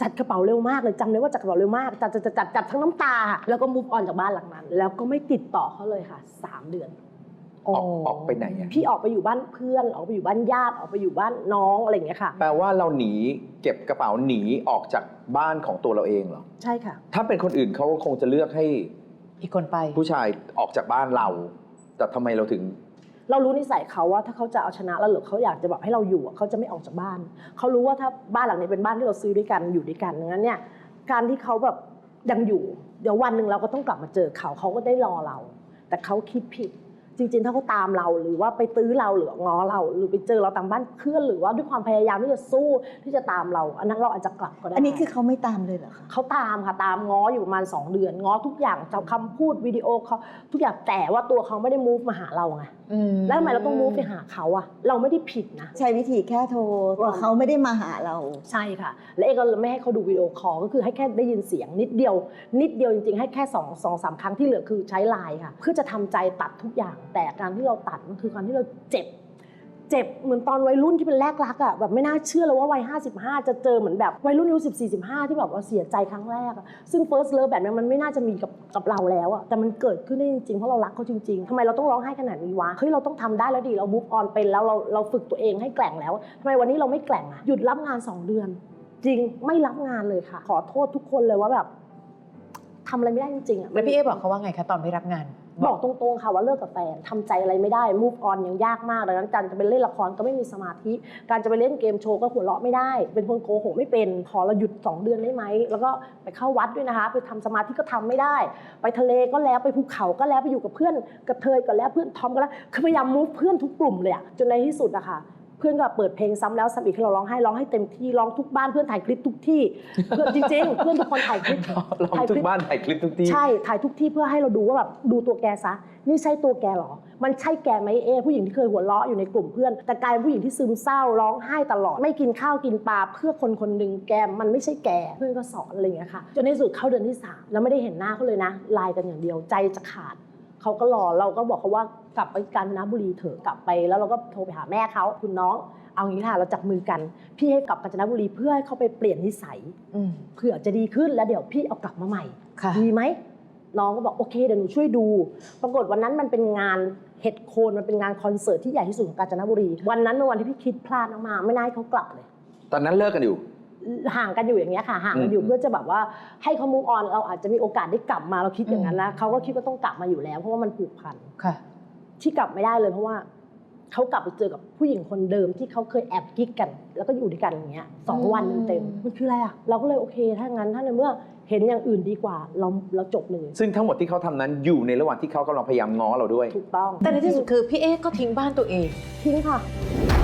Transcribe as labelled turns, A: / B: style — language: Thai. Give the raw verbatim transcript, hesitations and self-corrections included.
A: จัดกระเป๋าเร็วมากเลยจำได้ว่าจัดกระเป๋าเร็วมากจัดจัดจัดจัดทั้งน้ำตาแล้วก็มูฟออนจากบ้านหลังนั้นแล้วก็ไม่ติดต่อเขาเลยค่ะสามเดือน
B: ออกออกไปไหนอ่ะ
A: พี่ออกไปอยู่บ้านเพื่อนออกไปอยู่บ้านญาติออกไปอยู่บ้านน้องอะไรอย่างเงี้ยค่ะ
B: แปลว่าเราหนีเก็บกระเป๋าหนีออกจากบ้านของตัวเราเองเหรอ
A: ใช่ค่ะ
B: ถ้าเป็นคนอื่นเขาก็คงจะเลือกให้
C: อีกคนไป
B: ผู้ชายออกจากบ้านเราแต่ทำไมเราถึง
A: เรารู้นิสัยเขาว่าถ้าเขาจะเอาชนะเราหรือเขาอยากจะแบบให้เราอยู่เขาจะไม่ออกจากบ้านเขารู้ว่าถ้าบ้านหลังนี้เป็นบ้านที่เราซื้อด้วยกันอยู่ด้วยกันงั้นเนี่ยการที่เขาแบบยังอยู่เดี๋ยววันหนึ่งเราก็ต้องกลับมาเจอเขาเขาก็ได้รอเราแต่เขาคิดผิดจริงๆถ้าเขาตามเราหรือว่าไปตื้อเราหรือง้อเราหรือไปเจอเราตามบ้านเพื่อนหรือว่าด้วยความพยายามที่จะสู้ที่จะตามเราอันนั้นเราอาจจะกลับก็ได้
D: อันนี้คือเขาไม่ตามเลยเหรอคะ
A: เขาตามค่ะตามง้ออยู่ประมาณสองเดือนง้อทุกอย่างจากคำพูดวิดีโอเขาทุกอย่างแต่ว่าตัวเขาไม่ได้ move มาหาเราไงแล้วทำไมเราต้อง move ไปหาเขาอะเราไม่ได้ผิดนะ
D: ใช้วิธีแค่โทรแต่เขาไม่ได้มาหาเรา
A: ใช่ค่ะและเอกก็ไม่ให้เขาดูวิดีโอคอลก็คือให้แค่ได้ยินเสียงนิดเดียวนิดเดียวจริงๆให้แค่สองสองสามครั้งที่เหลือคือใช้ไลน์ค่ะเพื่อจะทำใจตัดทุกอย่างแต่การที่เราตัดมันคือการที่เราเจ็บเจ็บเหมือนตอนวัยรุ่นที่เป็นแรกรักอ่ะแบบไม่น่าเชื่อเลยว่าวัยห้าสิบห้าจะเจอเหมือนแบบวัยรุ่นอายุสิบสี่ สิบห้าที่แบบว่าเสียใจครั้งแรกอ่ะซึ่ง first love แบบนี้มันไม่น่าจะมีกับกับเราแล้วอ่ะแต่มันเกิดขึ้นได้จริงๆเพราะเรารักเขาจริงๆทำไมเราต้องร้องไห้ขนาดนี้วะเฮ้ยเราต้องทำได้แล้วดิเรา move on เป็นแล้วเราเราฝึกตัวเองให้แกร่งแล้วทำไมวันนี้เราไม่แกร่งอ่ะหยุดรับงานสองเดือนจริงไม่รับงานเลยค่ะขอโทษทุกคนเลยว่าแบบทำอะไรไม่ได้จริงๆอ่ะ
C: แล้วพี่เอบอกเขาว่าไงคะตอนไม่รับงาน
A: บอกตรงๆค่ะว่าเลิกกับแฟนทำใจอะไรไม่ได้ move on ยังยากมากดังนั้นการจะไปเล่นละครก็ไม่มีสมาธิการจะไปเล่นเกมโชว์ก็หัวเราะไม่ได้เป็นคนโกหกไม่เป็นขอเราหยุดสองเดือนได้ไหมแล้วก็ไปเข้าวัดด้วยนะคะไปทำสมาธิก็ทำไม่ได้ไปทะเลก็แล้วไปภูเขาก็แล้วไปอยู่กับเพื่อนกับเธอก็แล้วเพื่อนทอมก็แล้วคือพยายาม move เพื่อนทุกกลุ่มเลยอะจนในที่สุดอะค่ะเพื่อนก็เปิดเพลงซ้ำแล้วซ้ำอีกให้เราร้องให้ร้องให้เต็มที่ร้องทุกบ้านเพื่อนถ่ายคลิปทุกที่เพื่อนจริงๆเพื่อนทุกคนถ่ายคลิป
B: ร้องทุกบ้านถ่ายคลิปทุกที่
A: ใช่ถ่ายทุกที่เพื่อให้เราดูว่าแบบดูตัวแกซะนี่ใช่ตัวแกหรอมันใช่แกไหมเอผู้หญิงที่เคยหัวเราะอยู่ในกลุ่มเพื่อนแต่กลายเป็นผู้หญิงที่ซึมเศร้าร้องไห้ตลอดไม่กินข้าวกินปลาเพื่อคนคนหนึ่งแกมันไม่ใช่แกเพื่อนก็สอนอะไรอย่างเงี้ยค่ะจนในสุดเข้าเดือนที่สามแล้วไม่ได้เห็นหน้าเขาเลยนะไลน์กันอย่างเดียวใจจะขาดเขาก็รอเราก็บอกเขาว่ากลับไปกาญจนบุรีเถอะกลับไปแล้วเราก็โทรไปหาแม่เขาคุณน้องเอางี้ค่ะเราจับมือกันพี่ให้กลับกาญจนบุรีเพื่อให้เขาไปเปลี่ยนนิสัยเผื่อจะดีขึ้นแล้วเดี๋ยวพี่เอากลับมาใหม่ดีไหมน้องก็บอกโอเคเดี๋ยวหนูช่วยดูปรากฏวันนั้นมันเป็นงานเห็ดโคนมันเป็นงานคอนเสิร์ตที่ใหญ่ที่สุดของกาญจนบุรีวันนั้นเป็นวันที่พี่คิดพลาดมากๆไม่น่าให้เขากลับเลย
B: ตอนนั้นเลิกกันอยู่
A: ห่างกันอยู่อย่างเงี้ยค่ะห่างกันอยู่เพื่อจะแบบว่าให้เขา move on เราอาจจะมีโอกาสได้กลับมาเราคิดอย่างนั้นนะเขาก็คิดว่าต้องกลับมาอยู่แล้วเพราะว่ามันผูกพันที่กลับไม่ได้เลยเพราะว่าเขากลับไปเจอกับผู้หญิงคนเดิมที่เขาเคยแอบกิ๊กกันแล้วก็อยู่ด้วยกันอย่างเงี้ยสองวันเต็มมันคืออะไรอ่ะเราก็เลยโอเคถ้างั้นถ้าในเมื่อเห็นอย่างอื่นดีกว่าเราเราจบเลย
B: ซึ่งทั้งหมดที่เขาทำนั้นอยู่ในระหว่างที่เขากำลังพยายามง้อเราด้วย
A: ถูกต้อง
C: แต่ในที่สุดคือพี่เอก็ทิ้งบ้านตัวเอง
A: ทิ้งค่ะ